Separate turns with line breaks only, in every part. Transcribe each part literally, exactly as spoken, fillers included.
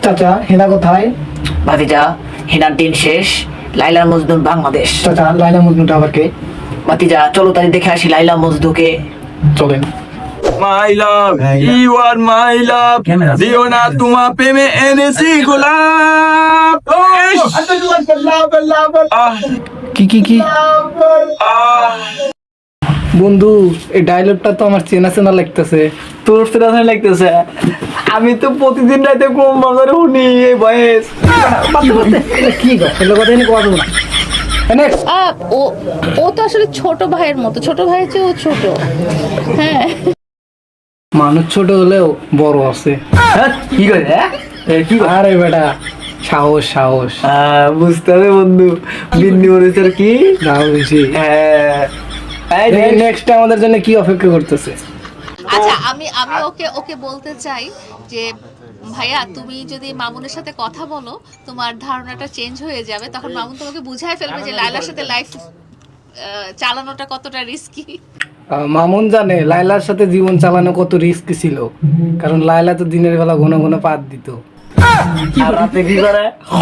চাচা হেনা কোথায়?
ভাতিজা, হিনার দিন শেষ, লাইলা মজনু বাংলাদেশ।
চাচা লাইলা মজনুটা আবার কে?
ভাতিজা চলো তাই দেখে আসি লাইলা মজনুকে।
চলেন।
মাই লাভ, ইউ আর মাই লাভ, দিও না তোমা প্রেমে এনেছি গোলাপ। আহ,
কি কি কি
আহ,
বন্ধু, এই ডায়লগটা তো আমার চেনা চেনা লাগতেছে।
তোর ফেরানো লাগতেছে, আমি তো প্রতিদিন রাতে কম বাজারে শুনি এই বয়স।
কি কথা কথা নিয়ে কথা বলো না। Next.
আহ, ও ও তো আসলে ছোট ভাইয়ের মতো, ছোট ভাইয়ের চেয়ে ও ছোট। হ্যাঁ,
মানুষ ছোট হলেও বড় আছে।
হ্যাঁ, কি করে হ্যাঁ? এ, কি করে?
আরে বেটা, সাহস সাহস
আহ, বুঝতে হবে বন্ধু, বিন্দি মরিচের কি
দাও বেশি।
হ্যাঁ। এই দেখ,
নেক্সট আমাদের জন্য কি অপেক্ষা করতেছে?
আচ্ছা আমি আমি ওকে ওকে বলতে চাই যে ভাইয়া তুমি যদি মামুনের সাথে কথা বলো তোমার ধারণাটা চেঞ্জ হয়ে যাবে, তখন মামুন তোমাকে বুঝাই ফেলবে যে লাইলার সাথে লাইফ চালানোটা কতটা রিস্কি।
আহ, মামুন জানে লায়লার সাথে জীবন চালানো কত রিস্ক ছিল, কারণ লায়লা তো দিনের বেলা ঘন ঘন পাত দিত।
আর রাতে কি করে?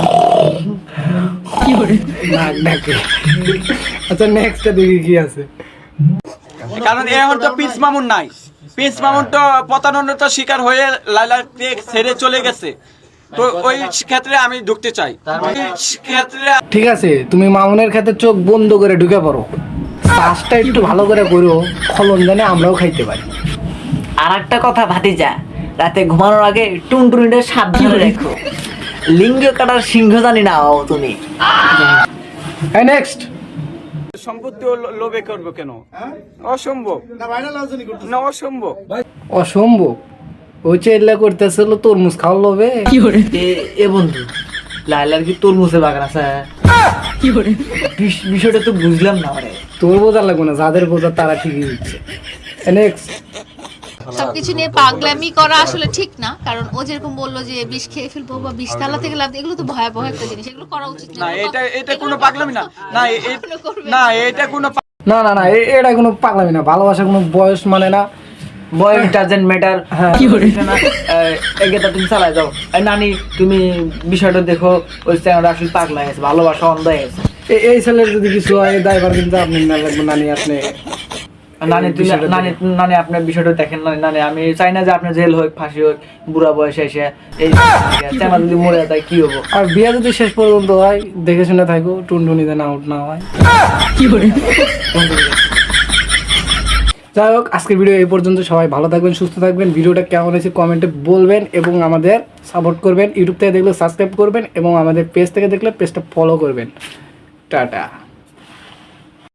নাক ডাকে। আচ্ছা নেক্সট দেখি কি আছে।
কারণ এখন তো পিস মামুন নাই, পিস মামুন তো প্রতারণার শিকার হয়ে লাইলাকে ছেড়ে চলে গেছে। তো ওই ক্ষেত্রে আমি ঢুকতে চাই, ওই ক্ষেত্রে
ঠিক আছে, তুমি মামুনের ক্ষেত্রে চোখ বন্ধ করে ঢুকে পড়ো, চাষটা একটু ভালো করে করো, ফলন জানে আমরাও খাইতে পারি।
আর একটা কথা ভাতিজা, রাতে ঘুমানোর আগে টুনটুনিটা সাবধানে রেখো, লিঙ্গ কাটার সিংহ জানি না হও তুমি।
হ্যাঁ নেক্সট।
সম্পত্তি লোভে করবো কেন? অসম্ভব না, অসম্ভব।
অসম্ভব। ওই চেল্লা করতেছিল তরমুজ খাওয়া লোভে।
এ- এ বন্ধু, লাইলার কি তরমুজের বাগান আছে? বিষ- বিষয়টা তো বুঝলাম না মানে।
তোর বোঝা লাগবে না, যাদের বোঝা তারা ঠিকই দিচ্ছে। নেক্সট।
সবকিছু নিয়ে পাগলামি করা আসলে ঠিক না, কারণ ও যেরকম বললো যে বিষ খেয়ে ফেলবো বা বিষ তালা থেকে লাভ, এগুলো তো ভয়াবহ একটা জিনিস, এগুলো করা উচিত
না, এটা এটা কোনো পাগলামি না, না এ- এ- না এটা কোনো
না না না, এ- এটা কোনো পাগলামি না, ভালোবাসা কোনো বয়স মানে না।
বয়স ডাজেন্ট ম্যাটার।
হ্যাঁ।
কি করে না? এগেটা তুমি চালায় যাও। এই নানি তুমি বিষয়টা দেখো, ওই চ্যানেলটা আসলে পাগলা হয়ে গেছে, ভালোবাসা অন্ধ হয়ে গেছে।
এ- এই ছেলের যদি কিছু হয় দায়ভার কিন্তু আপনি না লাগবে, নানি আপনি।
নানি তুমি
বিষয়টা
নানি নানি আপনার বিষয়টা দেখেন নানি নানি আমি চাই না যে আপনি জেল হোক ফাঁসি হোক বুড়া বয়সে এসে এই চ্যানেল যদি মরে যায় কি হবো?
আর বিয়ে যদি শেষ পর্যন্ত হয় দেখে শুনে থাকো, টুনটুনি যেন আউট না হয়। যাই হোক, আজকের ভিডিও এই পর্যন্ত। সবাই ভালো থাকবেন, সুস্থ থাকবেন। ভিডিওটা কেমন হয়েছে কমেন্টে বলবেন এবং আমাদের সাপোর্ট করবেন। ইউটিউব থেকে দেখলে সাবস্ক্রাইব করবেন এবং আমাদের পেজ থেকে দেখলে পেজটা ফলো করবেন। টাটা।